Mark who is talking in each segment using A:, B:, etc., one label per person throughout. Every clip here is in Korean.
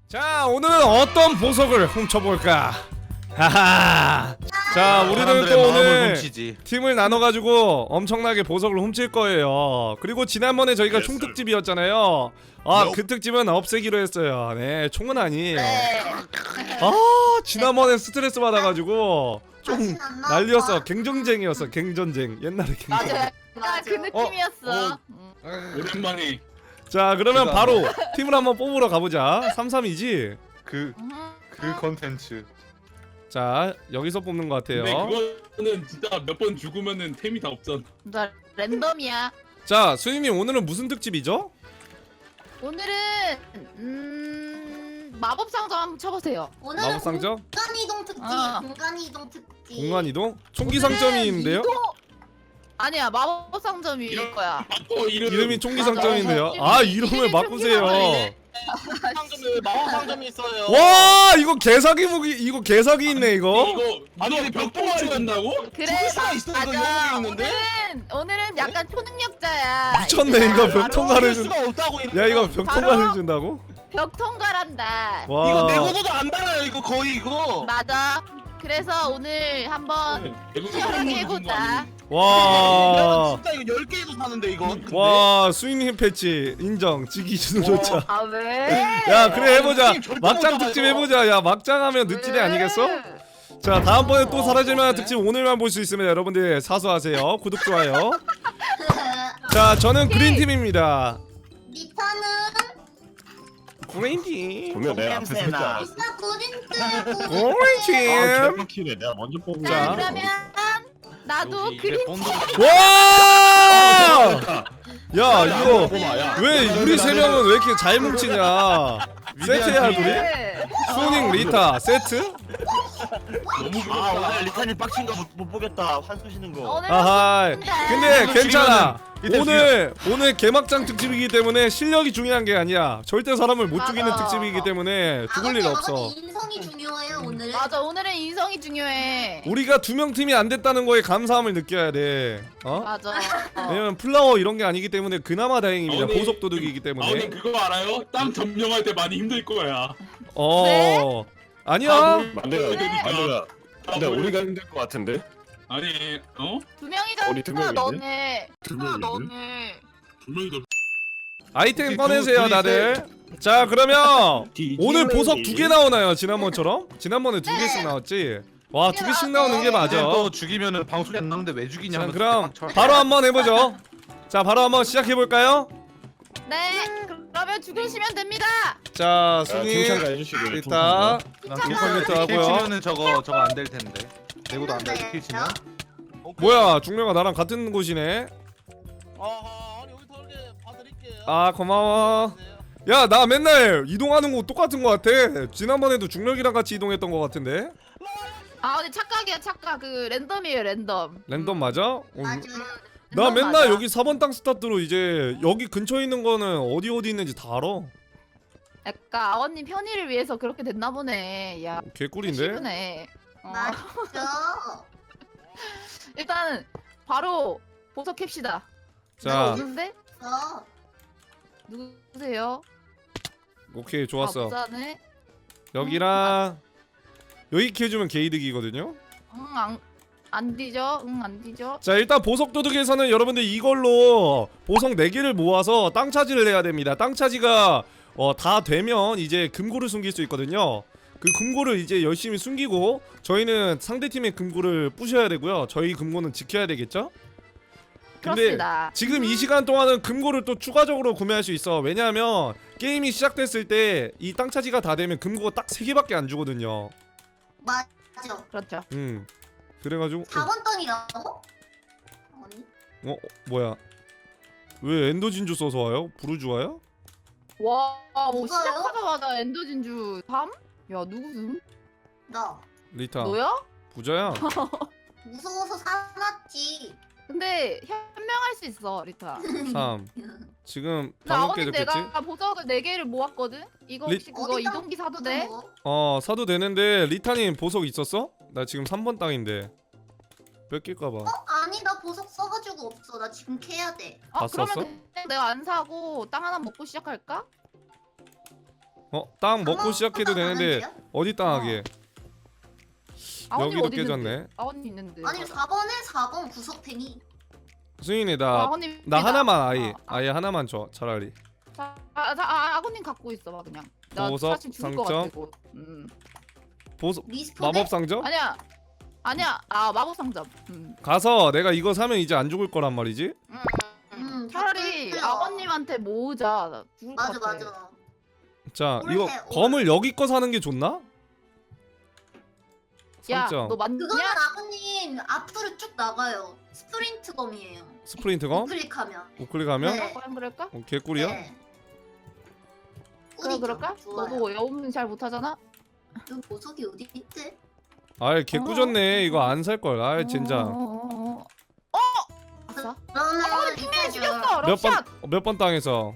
A: 자, 오늘은 어떤 보석을 훔쳐볼까? 하하. 자, 우리는 또 오늘 팀을 나눠가지고 엄청나게 보석을 훔칠 거예요. 그리고 지난번에 저희가 총 특집이었잖아요. 아, 그 특집은 없애기로 했어요. 네, 총은 아니에요. 아, 지난번에 스트레스 받아가지고 좀 난리였어. 갱전쟁이었어. 갱전쟁. 옛날에 갱전쟁.
B: 맞아. 그 느낌이었어.
C: 오랜만에.
A: 자, 그러면 바로 팀을 한번 뽑으러 가보자. 3-3이지?
D: 그 컨텐츠.
A: 자, 여기서 뽑는 것 같아요.
C: 근데 그거는 진짜 몇 번 죽으면은 템이 다 없잖아.
B: 나 랜덤이야.
A: 자, 수인님 오늘은 무슨 특집이죠?
B: 오늘은 마법 상점 한번 쳐보세요.
A: 마법
E: 오늘은
A: 상점?
E: 공간 이동 특집.
B: 어.
E: 공간 이동 특집.
A: 공간 이동? 총기 상점인데요?
B: 아니야, 마법 상점일 거야.
C: 바꿔
A: 이름이 총기 상점인데요? 아, 이름을 바꾸세요.
F: 상점에 마법 상점이 있어요.
A: 와, 이거 개사기 무기, 이거 개사기 있네 이거.
C: 이거
F: 아니 벽돌
C: 죽는다고?
B: 그래,
F: 죽을 수가 있어, 이거
B: 맞아.
F: 영웅이 있는데?
B: 오늘은 약간 초능력자야.
A: 미쳤네 이거 벽
F: 죽을
A: 통과를 준.
F: 수가 없다고.
A: 야, 이거 벽
B: 바로-
A: 통과를 준다고?
B: 벽 통과란다.
A: 와.
F: 이거 내고도 안 달아요. 이거 거의 이거.
B: 맞아. 그래서 오늘 한번 시원하게 해보자.
A: 와.
F: 진짜 이거 10개도 사는데 이거.
A: 와, 수인님 패치 인정. 지기 주는 조차.
B: 아 왜?
A: 야, 그래 해보자.
F: 형님 절대
A: 막장
F: 못
A: 특집
F: 나가요.
A: 해보자. 야, 막장하면 늪지대 아니겠어? 자, 다음번에 또 사라질만한 특집 오늘만 볼 수 있습니다. 여러분들 사수하세요. 구독 좋아요. 자, 저는 그린팀입니다.
E: 리타는
A: 그린팀.
D: 분명 내가 앞에 섰잖아.
E: 나 구린트.
A: 그린팀.
D: 개빡키네. 내가 먼저 뽑은
B: 자,
A: 자.
B: 그러면 나도 그린
A: 와! 야, 이거
D: 뽑아야.
A: 왜 우리 세 명은 왜 이렇게 잘 뭉치냐? 세트야, 우리? 수닝 리타 세트?
F: 아 오늘 리타님 빡친 거 못 보겠다. 환수시는 거.
B: 오늘
A: 아하. 근데
D: 이거
A: 괜찮아.
D: 죽이면은
A: 오늘 개막장 특집이기 때문에 실력이 중요한 게 아니야. 절대 사람을 못 죽이는
B: 맞아.
A: 특집이기 때문에 죽을 일 없어.
E: 인성이 중요해요 오늘.
B: 맞아, 오늘은 인성이 중요해.
A: 우리가 2명 팀이 안 됐다는 거에 감사함을 느껴야 돼. 어?
B: 맞아.
A: 왜냐면 플라워 이런 게 아니기 때문에 그나마 다행입니다.
C: 아버님,
A: 보석 도둑이기 때문에.
C: 아버님 그거 알아요? 땅 점령할 때 많이 힘들 거야.
A: 어.
B: 네?
A: 아니야.
D: 만들가. 근데 우리가 힘들 것 같은데.
C: 아니
B: 두 명이잖아.
D: 우리 두 명인데?
B: 너네.
D: 두 명인데?
B: 너네.
C: 두 명이 더.
A: 아이템 꺼내세요, 다들. 자, 그러면 오늘 보석 2개 나오나요? 지난번처럼? 지난번에 2개씩 나왔지? 와, 2개씩 나오는 게 맞아.
G: 너 죽이면은 방송이 안 나오는데 왜 죽이냐
A: 자,
G: 하면서
A: 그럼
G: 대박 쳐.
A: 바로 한번 해보죠. 자, 바로 한번 시작해볼까요?
B: 네. 그러면 죽으시면 됩니다.
A: 자,
D: 자,
A: 순위
D: 칭찬 가해주시고.
A: 일단 컴퓨터 하고요.
G: 킬치면은 저거 안 될 텐데. 내고도 안 돼. 킬치면.
A: 뭐야, 중령아 나랑 같은 곳이네.
F: 아니 여기 더 이렇게 봐드릴게요.
A: 아, 고마워. 야, 나 맨날 이동하는 곳 똑같은 것 같아. 지난번에도 중력이랑 같이 이동했던 것 같은데.
B: 아, 근데 착각이야, 착각. 그 랜덤이에요, 랜덤.
A: 랜덤 맞아?
E: 맞아.
A: 나
B: 랜덤
A: 맨날
B: 맞아.
A: 여기 4번 땅 스타트로 이제 여기 근처에 있는 거는 어디 있는지 다 알아.
B: 약간 아버님 편의를 위해서 그렇게 됐나 보네. 야,
A: 개꿀인데?
B: 시부네.
E: 맞죠.
B: 일단 바로 보석 캡시다.
A: 자,
B: 누군데?
E: 어.
B: 누구세요?
A: 오케이,
B: 아,
A: 좋았어.
B: 부자네.
A: 여기랑 여기 캐주면 게이득이거든요.
B: 안 뒤져. 안 뒤져.
A: 자, 일단 보석 도둑에서는 여러분들 이걸로 보석 4개를 모아서 땅 차지를 해야 됩니다. 땅 차지가 다 되면 이제 금고를 숨길 수 있거든요. 그 금고를 이제 열심히 숨기고 저희는 상대팀의 금고를 부셔야 되고요. 저희 금고는 지켜야 되겠죠? 근데
B: 그렇습니다.
A: 지금 이 시간 동안은 금고를 또 추가적으로 구매할 수 있어. 왜냐하면 게임이 시작됐을 때 이 땅 차지가 다 되면 금고가 딱 3개밖에 안 주거든요.
E: 맞아.
B: 그렇죠.
A: 그래가지고
E: 4번 땅이라고? 아니.
A: 뭐야, 왜 엔더 진주 써서 와요? 부르주아요?
B: 와, 뭐
E: 누가요?
B: 시작하자마자 엔더 진주 3? 야, 누구음?
E: 나
A: 리타
B: 너야?
A: 부자야.
E: 무서워서 사놨지.
B: 근데 현명할 수 있어, 리타.
A: 3 지금
B: 나
A: 방금
B: 아버님
A: 깨졌겠지?
B: 내가 보석을 4개를 모았거든? 이거
A: 리-
B: 혹시 그거
E: 어디다
B: 이동기 사도 돼?
A: 사도 되는데 리타님 보석 있었어? 나 지금 3번 땅인데 뺏길까봐.
E: 아니 나 보석 써가지고 없어. 나 지금 캐야 돼.
A: 다
B: 그러면
A: 썼어?
B: 그냥 내가 안 사고 땅 하나 먹고 시작할까?
A: 땅 먹고 시작해도 되는데 어디 땅 하게?
B: 아버님
A: 여기도
B: 어디
A: 깨졌네.
B: 있는데? 아버님 있는데.
E: 아니 4번 구석탱이.
A: 수인이
B: 아버님
A: 나
B: 있다.
A: 하나만 아예 하나만 줘 차라리.
B: 아버님 갖고 있어 봐 그냥. 나
A: 보석,
B: 사실 죽을 것
A: 상점?
B: 같아 곧.
A: 보석
E: 리스폰에?
A: 마법 상점?
B: 아니야. 마법 상점.
A: 가서 내가 이거 사면 이제 안 죽을 거란 말이지?
B: 차라리
E: 다
B: 아버님한테 모으자. 나 죽을 것
E: 맞아
B: 같아.
E: 맞아.
A: 자
E: 올해,
A: 이거
E: 올해.
A: 검을 여기 거 사는 게 좋나?
B: 야,
A: 상점
B: 너
E: 그거는
B: 맞냐?
E: 아버님 앞으로 쭉 나가요. 스프린트 검이에요.
A: 스프린트 검?
E: 클릭하면.
A: 우클릭하면?
E: 네.
B: 그럼 그럴까?
A: 개꿀이야?
E: 네.
B: 그래
E: 꿀이죠.
B: 그럴까?
E: 좋아요.
B: 너도 여우는 잘 못하잖아.
E: 그 보석이 어디 있지?
A: 아이 개꾸졌네 이거 안 살걸 아이 젠장
B: 아싸.
E: 그러면
B: 아버님 핑맨
E: 이거를-
B: 죽였어. 럭샷.
A: 몇 번 땅에서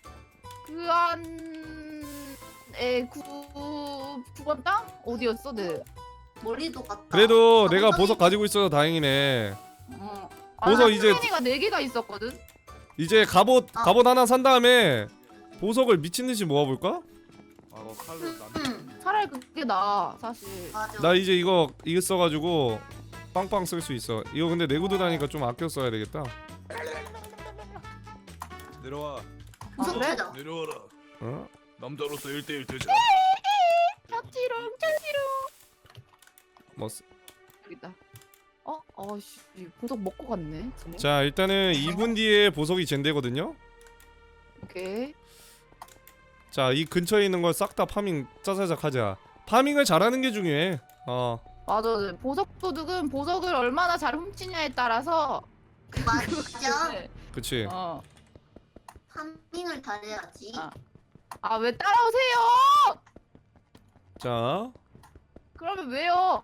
B: 그안에 9번 땅 어디였어, 네?
E: 머리도 갔다.
A: 그래도
E: 아,
A: 내가
E: 엉덩이-
A: 보석 가지고 있어서 다행이네
B: 아,
A: 보석
B: 나
A: 이제-
B: 핑맨이가 4개가 있었거든.
A: 이제 갑옷 하나 산 다음에 보석을 미친듯이 모아볼까?
G: 아 칼로 남.
B: 차라리 그게 나아 사실.
E: 맞아.
A: 나 이제 이거 써가지고 빵빵 쓸 수 있어 이거 근데 내구도 다니까 좀 아껴 써야 되겠다
G: 내려와.
E: 보석
B: 그래?
E: 찾아.
G: 내려와라.
A: 어?
G: 남자로서 1대1 되자.
B: 짝지롱
A: 뭐
B: 여기다. 어씨 보석 먹고 갔네. 쟤네.
A: 자 일단은 2분 뒤에 보석이 젠되거든요
B: 오케이.
A: 자 이 근처에 있는 걸 싹 다 파밍 짜자작 하자 파밍을 잘하는 게 중요해
B: 맞아. 보석 도둑은 보석을 얼마나 잘 훔치냐에 따라서.
E: 맞아.
B: 네.
A: 그치
E: 파밍을 잘해야지.
B: 아 왜 따라오세요?
A: 자
B: 그러면 왜요?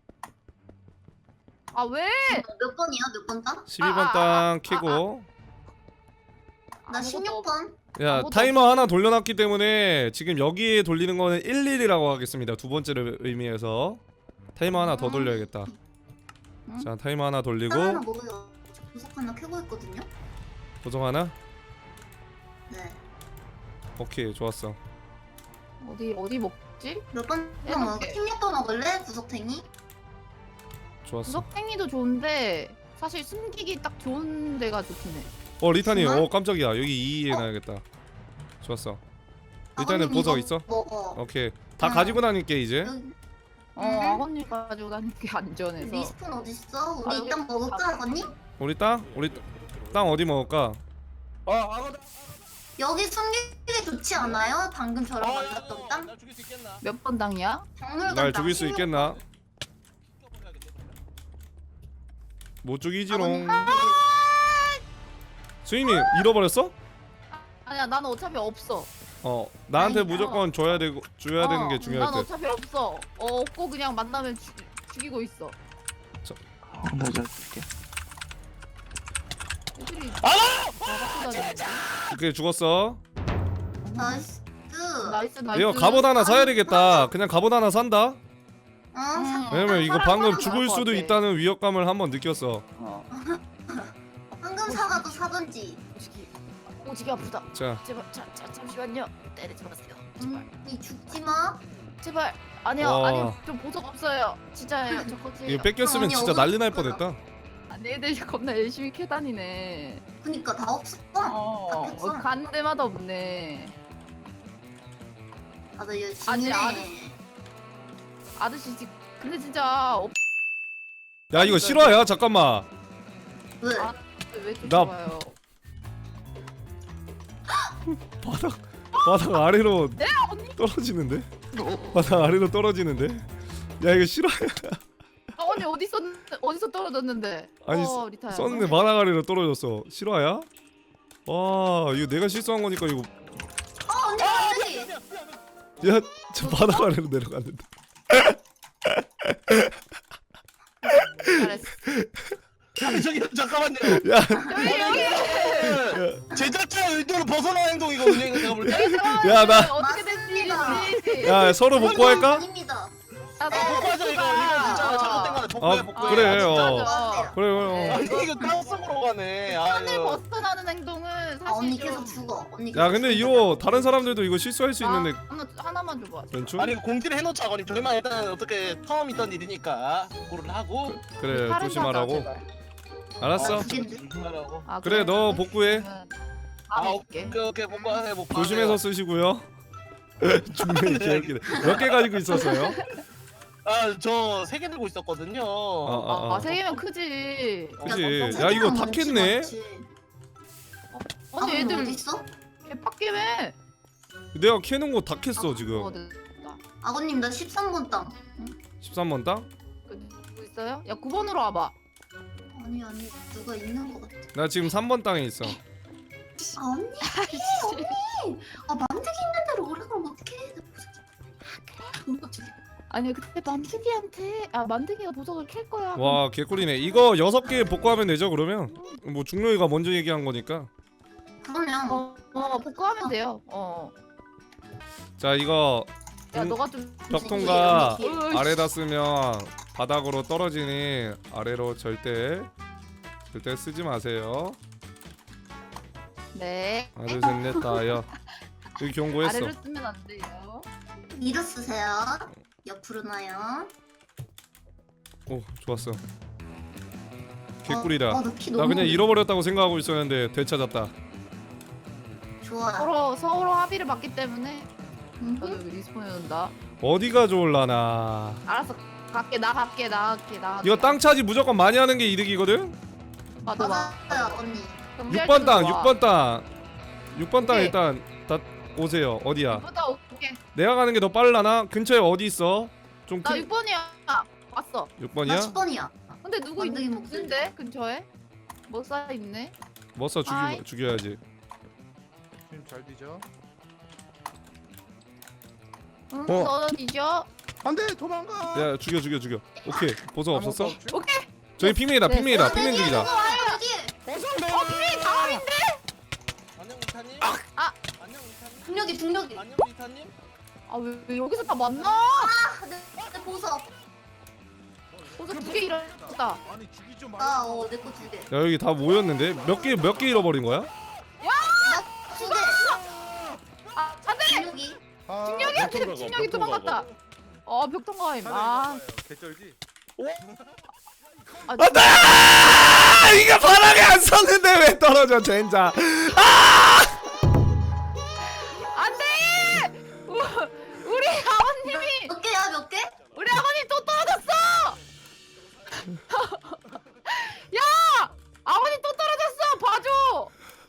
B: 아 왜?
E: 몇 번이야? 몇 번 땅?
A: 12번 땅 캐고
E: 나
B: 아무것도
E: 16번.
A: 야
B: 아무것도
A: 타이머 하나 돌려놨기 때문에 지금 여기에 돌리는 거는 11이라고 하겠습니다 두 번째를 의미해서 타이머 하나 더 돌려야겠다 자 타이머 하나 돌리고
E: 하나 먹으려 보석 하나 캐고 있거든요.
A: 보석 하나
E: 네.
A: 오케이 좋았어
B: 어디 먹지?
E: 몇번
B: 야,
E: 먹어?
B: 오케이.
E: 16번 먹을래? 구석탱이?
A: 좋았어
B: 구석탱이도 좋은데 사실 숨기기 딱 좋은 데가 좋긴 해.
A: 리타님
E: 정말?
A: 깜짝이야 여기 2에 놔야겠다 좋았어 리타는
E: 아버님
A: 보석
E: 이거
A: 있어?
E: 먹어.
A: 오케이 다
E: 응.
A: 가지고 다닐게 이제
E: 여기
B: 아버님 가지고 다니는 게 안전해서.
E: 리스폰 어딨어? 우리
B: 아,
E: 일단
B: 여기-
E: 먹을까 아버님?
A: 우리 땅 어디 먹을까?
E: 여기 숨기기 좋지 않아요? 방금 저랑 만났던 땅?
F: 나 죽일 수 있겠나?
B: 몇 번 당이야?
E: 박물관
A: 날
E: 땅
A: 죽일 수
E: 16번.
A: 있겠나? 못 죽이지롱 수인님 잃어버렸어?
B: 아니야 나는 어차피 없어.
A: 나한테
E: 아니,
A: 무조건 줘야 되는 게 중요할
B: 난
A: 듯
B: 어차피 없어. 없고 그냥 만나면 죽이고 있어.
F: 내가 줄게.
B: 애들이 갖고 다니는데.
A: 오케이 죽었어
E: 나이스.
B: 나이스.
A: 이거 갑옷 하나 사야 되겠다 그냥 갑옷 하나 산다 왜냐면 이거 방금 죽을 수도
B: 같아.
A: 있다는 위협감을 한번 느꼈어
E: 황금 사과도 사던지.
B: 오지기 아프다.
A: 자
B: 제발 잠시만요. 때리지 마세요.
E: 이 죽지 마.
B: 제발. 아니요
A: 와.
B: 아니요 좀 보석 없어요. 진짜예요. 저 거지.
A: 이거 뺏겼으면
E: 아니,
A: 진짜 난리 날
E: 어둡잖아.
A: 뻔했다
B: 아니 애들이 겁나 열심히 캐다니네.
E: 그니까 다 없어. 다 뺐어.
B: 간 데마다 없네.
E: 다들 열심히
B: 아니,
E: 해.
B: 아저씨 근데 진짜
A: 야 이거 실화야 잠깐만
E: 왜?
B: 아, 왜
A: 나-
B: 쫓아가요?
A: 바닥 아래로 떨어지는데? 바닥 아래로 떨어지는데? 야 이거 실화야
B: 언니 어디서 떨어졌는데?
A: 아니,
B: 리타야.
A: 썼는데 바닥 아래로 떨어졌어 실화야? 와 이거 내가 실수한 거니까 이거
E: 언니 갑자기.
A: 야 저 바닥 아래로 내려갔는데
B: 잘했어.
F: 아니 저기 잠깐만요.
A: 야
F: 제작자 의도를 벗어난 행동이거든요. 이거 제가 볼 때.
A: 야, 나-
B: 어떻게 됐지?
A: 야 서로 복구할까?
E: 아닙니다.
F: 복구하자 이거 진짜 잘못된 거네. 복구해
A: 아,
F: 복구해.
A: 그래,
F: 진짜.
A: 그래
E: 맞아요.
A: 그래
F: 아, 이거 땅속으로 가네. 아
B: 선을
F: 이거.
B: 벗어나는 행동은 사실
E: 언니 계속 죽어. 언니.
A: 야
E: 계속
A: 근데
E: 죽어.
A: 이거 다른 사람들도 이거 실수할 수 있는데
B: 하나만 줘봐.
A: 괜찮?
F: 아니 공지를 해놓자. 아니 저희만 일단 어떻게 처음 있던 일이니까 그거를 하고
A: 그래
B: 다른
A: 조심하라고.
B: 사람 제발.
A: 알았어.
F: 조심하라고.
B: 아,
A: 그래 너 복구해.
B: 아 오케이.
F: 오케이 복구하세요.
A: 조심해서 쓰시고요. 중간에 개웃기네. 몇 개 가지고 있었어요?
F: 아저 3개 들고 있었거든요.
B: 세 개면 크지.
A: 그치.
E: 야,
A: 야 이거
E: 너
A: 다
E: 많지,
A: 캤네.
E: 많지.
B: 아니
E: 어디
B: 애들
E: 있어?
B: 개빡게매.
A: 내가 캐는 거 다 캤어 지금.
E: 아버님 나 13번 땅.
A: 13번 땅?
B: 누구 있어요? 야 9번으로 와봐.
E: 아니 누가 있는 거 같아.
A: 나 지금 3번 땅에 있어.
E: 아 언니 언니. 아 만들기 있는 대로 오래 그럼 어떡해.
B: 아니 그때 만드기가 보석을 캘 거야.
A: 와 개꿀이네. 이거 6개 복구하면 되죠 그러면? 뭐 중로이가 먼저 얘기한 거니까.
E: 그러면
B: 복구하면 돼요.
A: 자 이거
B: 야 너가 좀
A: 벽통과
E: 언니
A: 아래다 쓰면 바닥으로 떨어지니 아래로 절대 쓰지 마세요.
B: 네.
A: 하나 둘셋넷 다여. 여기 경고했어.
B: 아래로 쓰면 안 돼요.
E: 위로 쓰세요. 옆으로 놔요.
A: 오 좋았어. 개꿀이다.
E: 나키
A: 나
E: 너무
A: 그냥 잃어버렸다고 생각하고 있었는데 되찾았다.
E: 좋아.
B: 서로 합의를 봤기 때문에 저도 여기 리스폰해 놓는다.
A: 어디가 좋을라나.
B: 알았어. 갈게.
A: 이거 땅 차지 무조건 많이 하는 게 이득이거든.
B: 맞아.
E: 맞아요 언니.
A: 6번 땅 6번 땅 6번 땅
B: 오케이.
A: 일단 다 오세요. 어디야?
B: 이보다 오케이.
A: 내가 가는 게 더 빠르려나? 근처에 어디 있어? 좀
B: 나
A: 큰...
B: 6번이야. 왔어.
E: 나
A: 6번이야?
E: 10번이야.
B: 근데 누구
E: 만드기 목소리.
B: 있는데 근처에? 뭐 쌓여 있네.
A: 머싸
B: 아이.
A: 죽여야지.
G: 지금 잘 뒤져.
B: 응,
A: 어.
B: 너는 뒤져.
G: 안돼 도망가.
A: 야 죽여. 오케이 보석 없었어?
B: 오케이.
A: 저기 핑맨이다
B: 네.
A: 핑맨이다
E: 내
A: 핑맨
E: 뒤에
A: 죽이자.
E: 누구 와요 여기.
F: 안녕 리타님. 안녕 리타님.
E: 중력이.
F: 안녕 리타님.
B: 왜 여기서 다 만나?
E: 내 보석.
B: 벌써 2개 잃었다.
G: 아니 죽이 좀 말고.
E: 내 거 2개.
A: 야 여기 다 모였는데 몇 개 잃어버린 거야?
E: 나 2개.
B: 안돼.
E: 중력이.
B: 중력이 중력이 도망갔다. 벽통가임.
G: 개쩔지.
A: 안돼! 이거 바닥에 안 섰는데 왜 떨어져 젠장.
B: 안돼. 우리 아버님이
E: 몇 개야 몇 개?
B: 우리 아버님 또 떨어졌어. 야, 아버님 또 떨어졌어. 봐줘.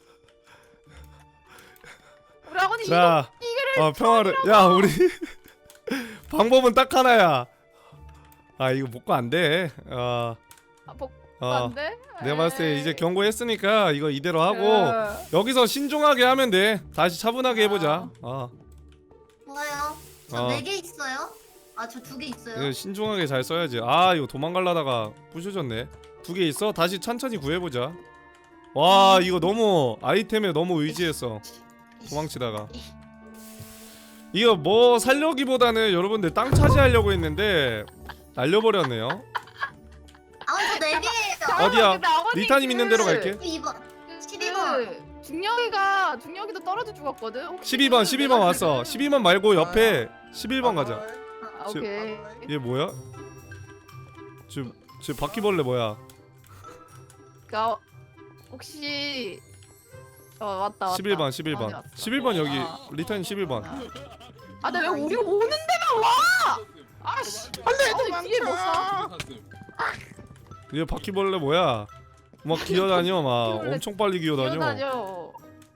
B: 우리 아버님
A: 자,
B: 이거를
A: 평화를. 야 우리 방법은 딱 하나야. 이거 복구 안 돼.
B: 안 돼?
A: 내가 봤을 때 이제 경고했으니까 이거 이대로 하고
B: 네.
A: 여기서 신중하게 하면 돼. 다시 차분하게 해보자.
E: 좋아요. 저
A: 어.
E: 4개 있어요. 저 2개 있어요.
A: 이거 신중하게 잘 써야지. 이거 도망가려다가 부셔졌네. 2개 있어? 다시 천천히 구해보자. 와 이거 너무 아이템에 너무 의지했어. 도망치다가 이거 뭐 살려기보다는 여러분들 땅 차지하려고 했는데 날려버렸네요.
E: 저 4개예요.
A: 어디야?
B: 근데 아버님
A: 리타님 있는 데로 갈게.
E: 12번. 12번.
B: 중력이도 떨어져 죽었거든. 혹시
A: 12번 왔어. 12번 말고 옆에 11번 가자.
B: 오케이.
A: 얘 뭐야? 저 바퀴벌레 뭐야?
B: 그니까 혹시 왔다.
A: 11번
B: 아버님
A: 11번
B: 왔어.
A: 11번 여기 리타님 11번.
B: 근데 왜 우리 오는 데만 와? 아씨. 안돼. 뒤에 못 사.
A: 얘 바퀴벌레 뭐야? 막 기어다녀 막
B: 바퀴벌레
A: 엄청 빨리 기어다녀.
B: 뛰어다녀.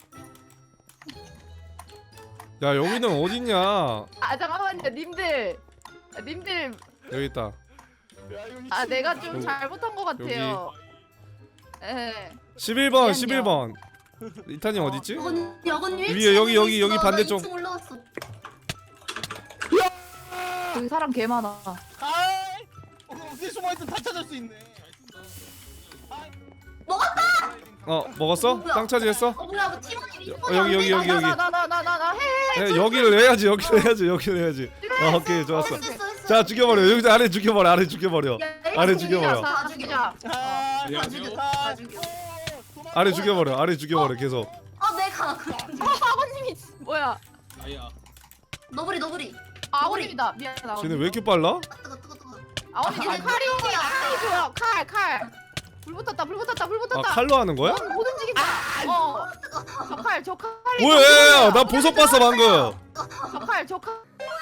A: 야 여기는 어딨냐?
B: 잠깐만요, 님들.
A: 여기 있다.
B: 내가 좀
A: 여기.
B: 잘못한 것 같아요. 예.
A: 11번
B: 미안해요.
A: 11번. 리타님 어딨지?
E: 여건님
A: 위에, 여기 반대쪽.
E: 2층 올라왔어.
B: 여기 사람 개 많아.
F: 어디 숨어있든 다 찾을 수 있네.
A: 먹었어?
E: 뭐야?
A: 땅 차지했어?
E: 뭐야 뭐 팀원이
A: 여기.
B: 나 해.
A: 여기를 여기를 해야지. 오케이 좋았어.
E: 했어.
A: 자 죽여버려. 여기서 아래 죽여버려. 아래 죽여버려. 아래 죽여버려.
B: 다 죽이자.
E: 다 죽여.
A: 아래 죽여버려. 계속.
B: 뭐야?
C: 아야.
E: 너구리.
B: 아버님이다. 미안하다.
A: 쟤네 왜 이렇게 빨라?
E: 뜨거.
B: 아버님 이제 칼이 오면 칼이 줘요. 칼. 불 붙었다.
A: 아 칼로 하는 거야?
B: 못 움직인다. 저 칼이.
A: 뭐야? 나 보석 봤어 방금.
B: 저 칼.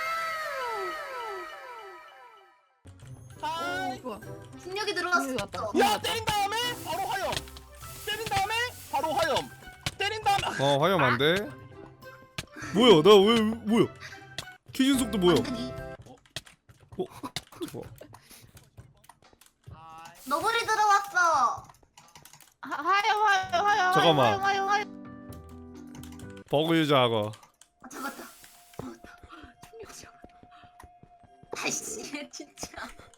B: 뭐야?
E: 중력이 들어갔어.
F: 야 때린 다음에 바로 화염. 때린 다음에 바로 화염. 때린 다음에.
A: 화염 안 돼. 뭐야? 나 왜 뭐야? 퀴즈 속도 뭐야?
E: 만드기.
A: 어?
E: 너구리 들어왔어.
B: 하여.
A: 잠깐만.
B: 하여.
A: 버그 유저하고.
E: 잡았다. 아이씨 진짜.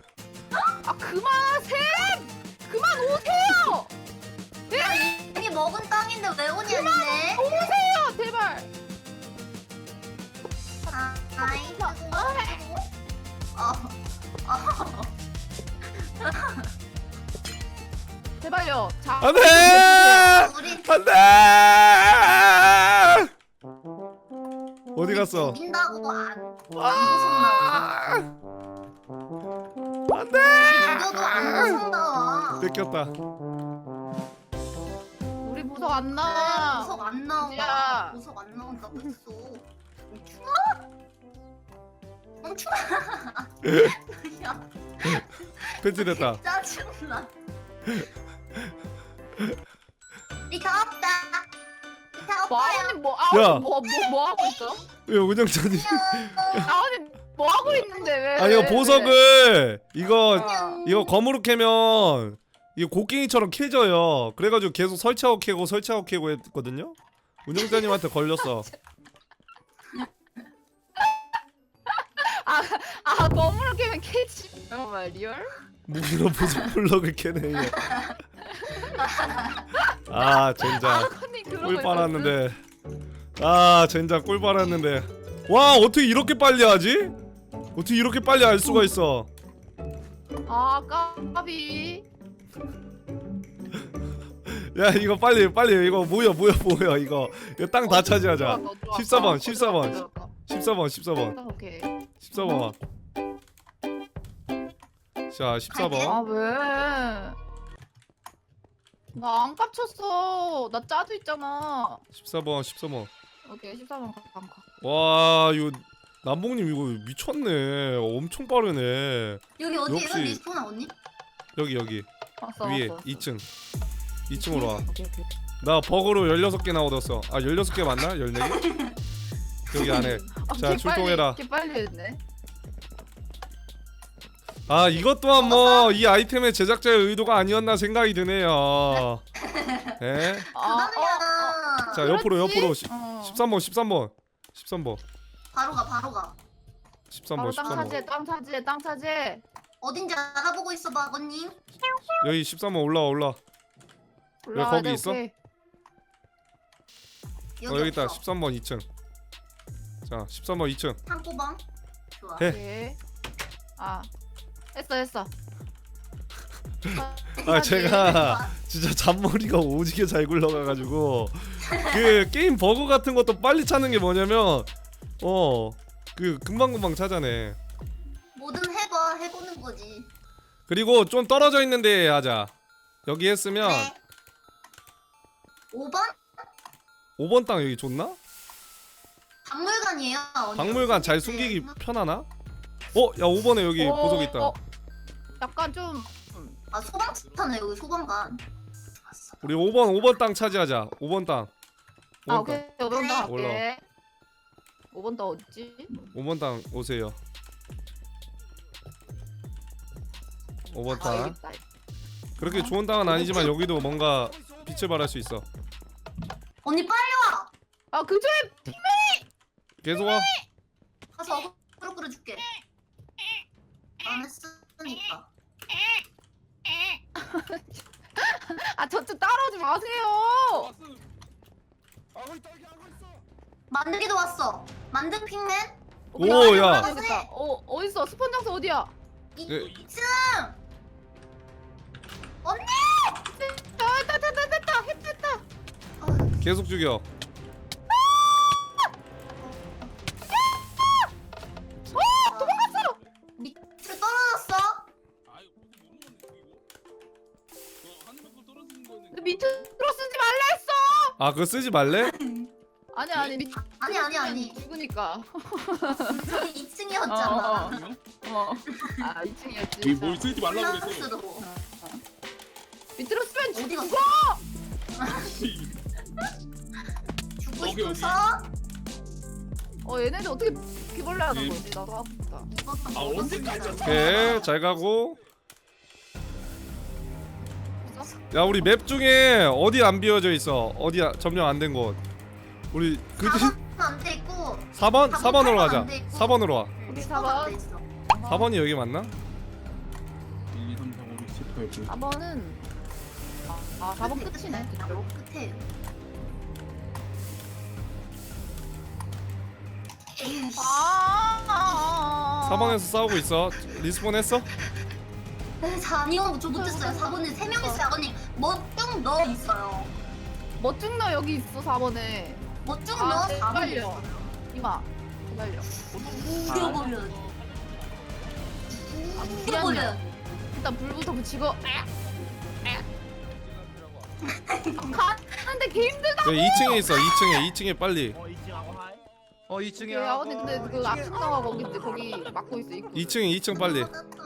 B: 그만 오세요.
E: 이미 먹은 땅인데 왜 오냐 니네?
B: 오세요, 제발.
E: 아이.
B: 제발요. 자.
A: 안돼.
E: 우리
A: 안돼. 어디 갔어?
E: 죽인다고 안 무섭나?
A: 안돼.
E: 죽여도 안 무섭나?
A: 뺏겼다.
B: 우리 보석 안 나와.
E: 무섭 안 나온다.
B: 야.
E: 무섭 안 나온다고 했어. 멈추마. 야,
A: 펜치됐다.
E: 짜증나. 리타 없다. 리타 없어요.
A: 야.
B: 뭐 하고 있어?
A: 왜 운영자님?
B: 아버님 뭐 하고 있는데 왜?
A: 아 이거
B: 왜?
A: 보석을 이거
E: 안녕.
A: 검으로 캐면 이거 곡괭이처럼 캐져요. 그래가지고 계속 설치하고 캐고 했거든요. 운영자님한테 걸렸어.
B: 거물을 깨면 캐지. 정말 리얼?
A: 무기로 보석 블럭을 캐네. 이거. 아 젠장
B: 컨님 그러고
A: 꿀
B: 있었어.
A: 빨았는데. 아 젠장 꿀 빨았는데. 와 어떻게 이렇게 빨리 하지? 어떻게 이렇게 빨리 알 수가 있어?
B: 아 까비.
A: 야 이거 빨리 이거 뭐야 이거 땅 다 차지하자. 14번
B: 오케이.
A: 14번. 자 14번.
B: 아 왜? 나 안 깝쳤어. 나 짜도 있잖아.
A: 14번.
B: 오케이 14번 가.
A: 와 이거 남봉님 이거 미쳤네. 엄청 빠르네.
E: 여기 어디에요?
A: 역시.
E: 리스폰 언니?
A: 여기
B: 왔어.
A: 위에
B: 왔어.
A: 2층 2층으로 와.
B: 오케이.
A: 나 버그로 16개나 얻었어. 아 16개 맞나? 14개? 여기 안에. 자, 출동해라.
B: 개 빨리 했네.
A: 아 이것 또한 뭐 이 아이템의 제작자의 의도가 아니었나 생각이 드네요. 예?
E: 그다음이야.
A: 자 옆으로
B: 13번.
A: 13번
E: 바로 가.
A: 13번
B: 땅 차지해.
E: 어딘지 알아보고 있어 봐, 언님.
A: 여기 13번 올라와. 왜 거기 있어? 여기 있다.
E: 없어.
A: 13번 2층. 자 13번 2층.
E: 한꼬방. 좋아.
A: 해.
B: 오케이. 아 했어.
A: 아 제가 진짜 잔머리가 오지게 잘 굴러가가지고 그 게임 버그 같은 것도 빨리 찾는 게 뭐냐면 그 금방금방 찾아내.
E: 뭐든 해보는 거지.
A: 그리고 좀 떨어져 있는데 하자. 여기 했으면
E: 네. 5번?
A: 5번 땅 여기 좋나?
E: 박물관이에요. 언니.
A: 박물관 잘 숨기기 편하나? 야 5번에 여기 보석 있다.
B: 약간 좀
E: 아 소방차네 여기 소방관.
A: 우리 5번 땅 차지하자. 5번 땅. 5번
B: 오케이.
A: 땅.
B: 5번 더
A: 올라와.
B: 갈게. 5번 더 어딨지?
A: 5번 땅 오세요. 5번 땅.
B: 알겠다.
A: 그렇게 좋은 땅은 아니지만 여기도 뭔가 빛을 발할 수 있어.
E: 언니 빨리 와.
B: 아 그쪽에
A: 계속 와.
E: 가서 어그로 끌어줄게. 안 했으니까.
B: 저쪽 따라오지 마세요.
E: 만들기도 왔어. 만든 핑맨.
A: 오, 야.
B: 되겠다. 어딨어? 스폰 장소 어디야?
A: 예.
E: 2층. 언니.
B: 됐다.
A: 계속 죽여.
B: 밑으로 쓰지 말라 했어.
A: 아 그거 쓰지 말래?
B: 아니 밑.
E: 아니.
B: 죽으니까.
E: 저기 2층이었잖아.
B: 아 2층이었지.
C: 이뭘 쓰지 말라고 그랬어.
E: 플러스로.
B: 밑으로 쓰면
E: 어디
B: 죽어.
E: 갔어? 죽고
C: 여기, 여기.
E: 싶어서
B: 얘네들 어떻게 바퀴벌레 하는 거지? 나도 하고 싶다.
E: 이것도
C: 아, 언제까지
A: 오케이 잘 가고. 야 우리 맵 중에 어디 안 비워져 있어? 어디 점령 안 된 곳? 우리 그
E: 4번 안돼 있고
A: 4번?
E: 4번
A: 4번으로 가자.
E: 안 돼 있고.
A: 4번으로 와.
B: 우리
E: 4번
B: 4번.
A: 4번이 여기 맞나?
C: 1, 2, 3, 4, 5, 6, 7, 8, 9.
B: 4번은 4번 끝이네.
E: 바로 끝에. 에이씨.
A: 4번에서 싸우고 있어. 리스폰 했어?
E: 네, 아니요, 저 못했어요. 4번에 3명 있어요. 아버님, 뭐쭉 넣어 있어요.
B: 멋중너 여기 있어 4번에.
E: 뭐쭉 넣어 4번에
B: 빨려.
E: 있어요.
B: 이마. 기다려.
E: 죽여버려야지. 죽여버려야지.
B: 일단 불부터 붙이고. 가는데 개 힘들다.
A: 여기 2층에 있어. 2층에 빨리.
G: 2층이야.
B: 야, 언니 근데 그 앞쪽가 거기 막고 있어. 입구.
A: 2층 빨리.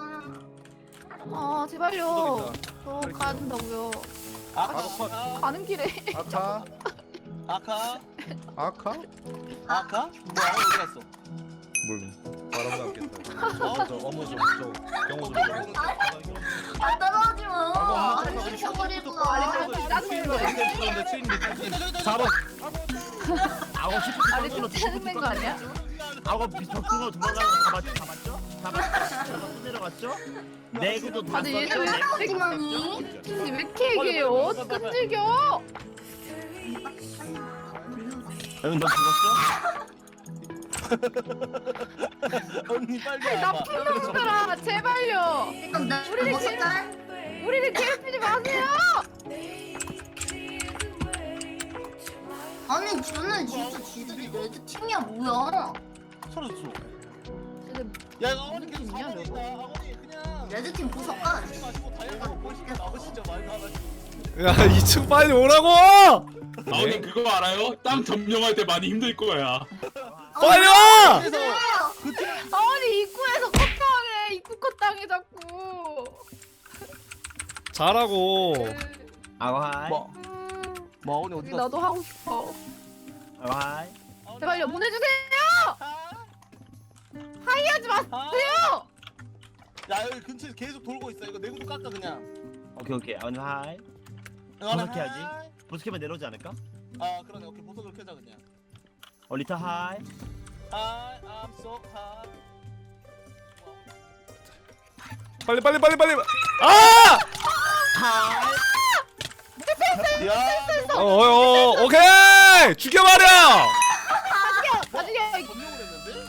B: 제발요. 가야 된다고요.
F: 바로 컷.
B: 가는 길에.
G: 아카.
F: 아카.
G: 아카?
F: 아카? 뭐야 어디 갔어?
G: 뭘 바람 났겠다. 저 어머 저 경호 좀.
E: 아, 따라오지 마.
G: 아,
E: 안 죽여버리고.
B: 짜증낸 거야.
H: 4번. 아홉 시
B: 아니 좀 짜증낸 거 아니야?
H: 아홉 벽으로 도망가는 거 다 봤죠? 또 내려갔죠? 내구도 다
B: 아니, 얘들
H: 썼죠?
E: 따라오지마니.
B: 왜 이렇게 얘기해요? 끈질겨.
H: 여러분 너 죽었어?
F: 언니 빨리
B: 나쁜 놈들아 제발요.
E: 그럼 나
B: 우리를
E: 죽었을까?
B: 우리를 괴롭히지 마세요.
E: 아니, 쟤는 진짜 지들이 레드 팀이야, 뭐야?
F: 서러졌어.
B: 쟤네
F: 야 이거 어머니 계속
B: 팀이야,
F: 사고 있다. 어머니 그냥
E: 레드 팀 보석가.
F: 마시고 달려가고 보시면 나오시죠 말도 안 하시고.
A: 야 2층 빨리 오라고!
C: 아버님 그거 알아요? 땅 점령할 때 많이 힘들 거야.
A: 빨리 와!
F: 그래서
B: 아니 입구에서 컷당해. 입구 컷당해 자꾸.
A: 잘하고.
H: 아와이
F: 뭐 어머니 어디 갔어?
B: 나도 하고 싶어.
H: 아와이
B: 제발요 보내주세요. 하이하지 마세요.
F: 야 여기 근처에 계속 돌고 있어. 이거 내구도 깎아 그냥.
H: 오케이 아와이 보석해 야지. 보석해면 내려오지 않을까?
F: 아 그러네. 오케이 보석을 켜자 그냥.
H: 리타 하이
F: Hi, I'm so hot.
A: 빨리. 아!
F: 야,
A: 오케이! 죽여버려!
B: 나중에
F: 점령을 했는데?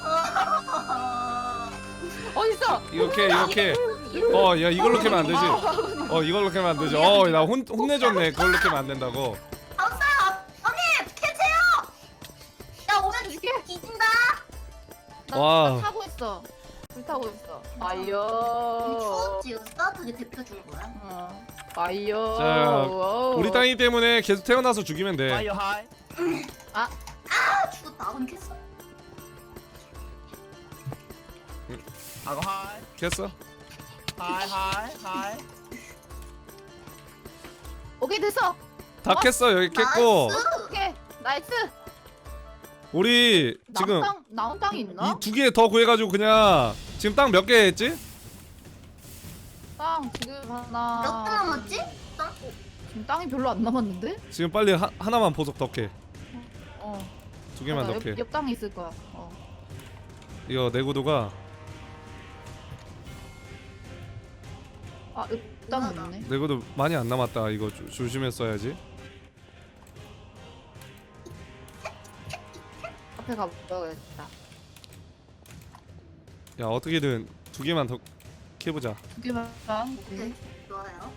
B: 어딨어?
A: 이렇게. 야 이걸로 캐면 안 되지. 이걸로 캐면 안 되지. 나 혼내줬네. 그걸로 캐면 안 된다고.
E: 없어요. 언니, 캐세요. 야, 오면
B: 줄게.
E: 뒤진다.
A: 와.
B: 나 타고 있어. 불 타고 있어.
E: 우리
B: 아이요.
E: 추웠지. 이거 따뜻하게 데펴 준 거야.
B: 아이요.
A: 자, 우리 땅이기 때문에 계속 태어나서 죽이면 돼.
H: 파이어 하이
E: 아, 죽었다. 아버님 캤어.
H: 아고 하이
A: 캤어?
H: 하이
B: 오케이 됐어.
A: 다 캤어. 여기 캤고.
E: 나이스.
B: 오케이 나이스.
A: 우리 지금
B: 나온 땅이 있나?
A: 이 2개 더 구해가지고 그냥 지금 땅 몇 개 했지?
B: 땅 지금 하나.
E: 몇 개 남았지? 땅?
B: 지금 땅이 별로 안 남았는데?
A: 지금 빨리 하나만 보석 더 캐.
B: 어.
A: 2개만
B: 맞아,
A: 더 캐.
B: 옆 땅에 있을 거야.
A: 이거 내구도가
B: 옆 땅 있네.
A: 내구도 많이 안 남았다. 이거 조심해 써야지.
B: 앞에 가봐야겠다.
A: 야 어떻게든 2개만 더 캐보자.
B: 2개만.
E: 네, 좋아요.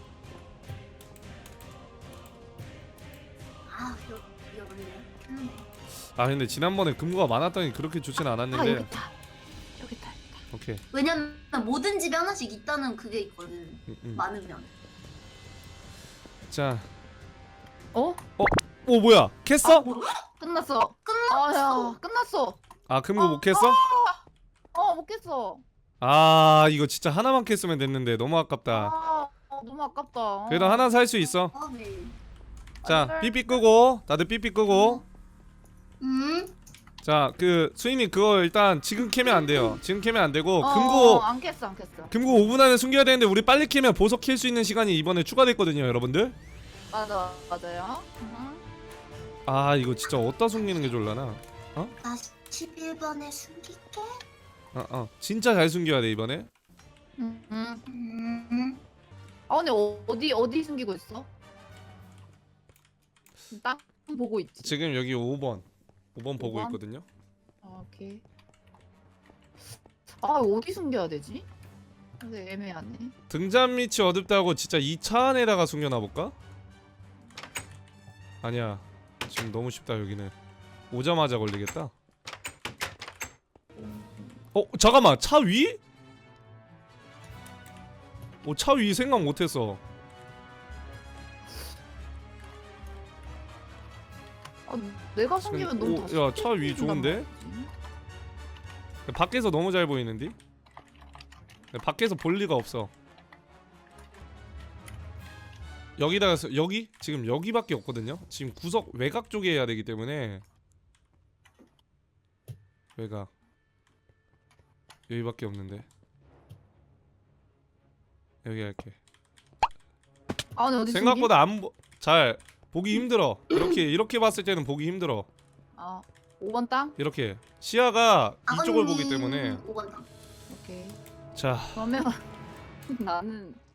E: 아, 위험하네.
A: 아 근데 지난번에 금고가 많았더니 그렇게 좋진
B: 여기
A: 않았는데.
B: 있다. 여기 있다.
A: 오케이.
E: 왜냐면 모든 집에 하나씩 있다는 그게 있거든. 많으면.
A: 자
B: 어?
A: 오 뭐야 캤어?
B: 끝났어. 아야 끝났어.
A: 아 금고 못 캤어?
B: 못 깼어.
A: 아 이거 진짜 하나만 캤으면 됐는데 너무 아깝다.
B: 너무 아깝다.
A: 그래도 하나 살 수 있어.
E: 네.
A: 자 삐삐 끄고 다들 삐삐 끄고. 자 그 수인님 그거 일단 지금 캐면 안 돼요. 지금 캐면 안 되고 금고
B: 안 깼어 안 깼어.
A: 금고 5분 안에 숨겨야 되는데 우리 빨리 캐면 보석 캘 수 있는 시간이 이번에 추가됐거든요 여러분들.
B: 맞아요.
A: 아 이거 진짜 어디다 숨기는 게 좋을라나?
E: 나 11번에 숨길게.
A: 진짜 잘 숨겨야 돼 이번에.
B: 근데 어디 숨기고 있어? 딱 보고 있지.
A: 지금 여기 5번 보고
B: 5번?
A: 있거든요.
B: 오케이. 어디 숨겨야 되지? 근데 애매하네.
A: 등잔 밑이 어둡다고 진짜 이 차 안에다가 숨겨놔 볼까? 아니야 지금 너무 쉽다 여기는. 오자마자 걸리겠다. 잠깐만 차 위? 차 위 생각 못했어.
B: 내가 숨기면 너무 다
A: 야 차 위 좋은데? 밖에서 너무 잘 보이는데? 밖에서 볼 리가 없어. 여기다가 여기? 지금 여기밖에 없거든요? 지금 구석 외곽 쪽에 해야 되기 때문에 외곽 여기밖에 없는데 여기 할게.
B: 근데 어디
A: 생각보다 잘 보기 힘들어. 이렇게 봤을 때는 보기 힘들어.
B: 5번 땅?
A: 이렇게 시야가 이쪽을 보기 때문에.
E: 5번.
B: 오케이.
A: 자
B: 그러면 나는